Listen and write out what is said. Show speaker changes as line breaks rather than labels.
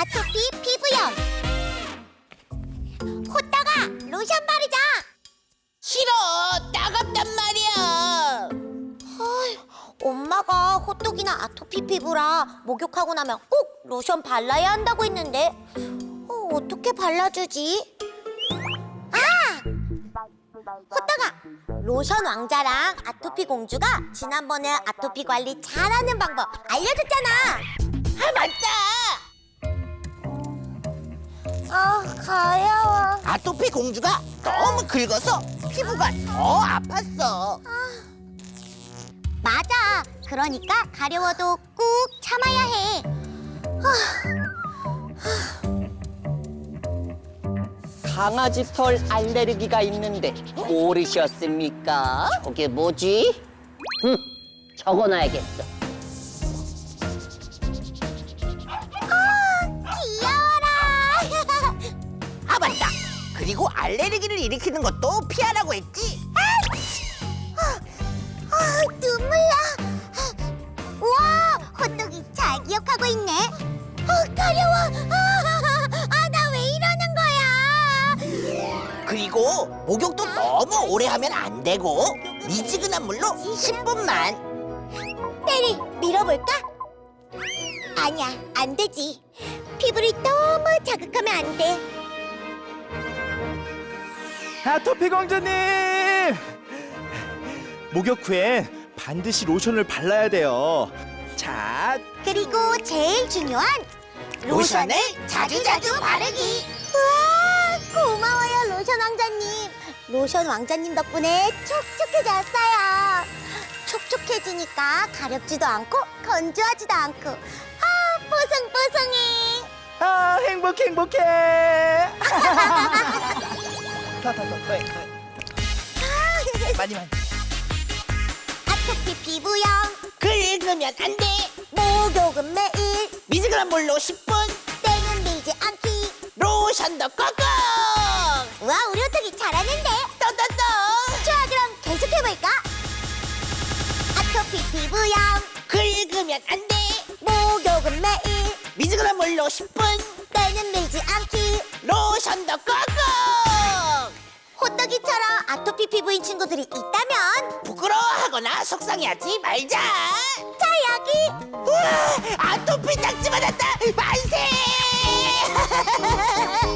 아토피 피부염. 호떡아, 로션 바르자.
싫어, 따갑단 말이야.
엄마가 호떡이나 아토피 피부라 목욕하고 나면 꼭 로션 발라야 한다고 했는데 어떻게 발라주지? 호떡아, 로션 왕자랑 아토피 공주가 지난번에 아토피 관리 잘하는 방법 알려줬잖아.
아, 맞다.
가려워.
아토피 공주가 너무 긁어서 피부가 더 아팠어.
맞아. 그러니까 가려워도 꾹 참아야 해.
강아지 털 알레르기가 있는데 모르셨습니까?
저게 뭐지?
적어놔야겠어.
귀여워라.
아, 맞다. 그리고 알레르기를 일으키는 것도 피하라고 했지.
눈물 나. 우와, 호떡이 잘 기억하고 있네. 가려워. 나 왜 이러는 거야?
그리고 목욕도 너무 오래 하면 안 되고 미지근한 물로 10분만.
때리 밀어볼까? 아니야, 안 되지. 피부를 너무 자극하면 안 돼.
아토피 공주님! 목욕 후엔 반드시 로션을 발라야 돼요. 자,
그리고 제일 중요한
로션을 자주자주 바르기.
우와, 고마워요, 로션 왕자님. 로션 왕자님 덕분에 촉촉해졌어요. 촉촉해지니까 가렵지도 않고 건조하지도 않고 뽀송뽀송해.
아 행복해. 더. 많이.
아토피 피부염,
긁으면 안 돼.
목욕은 매일,
미지근한 물로 10분.
때는 밀지 않기.
로션도 꽉꽉.
우와, 우리 호떡이 잘하는데.
떠떠떠.
좋아, 그럼 계속해볼까? 아토피 피부염,
긁으면 안 돼.
목욕은 매일,
미지근한 물로 10분.
때는 밀지 않기.
로션도 꽉꽉.
호떡이처럼 아토피 피부인 친구들이 있다면
부끄러워하거나 속상해하지 말자.
자, 여기.
우와, 아토피 딱지 맞았다. 만세.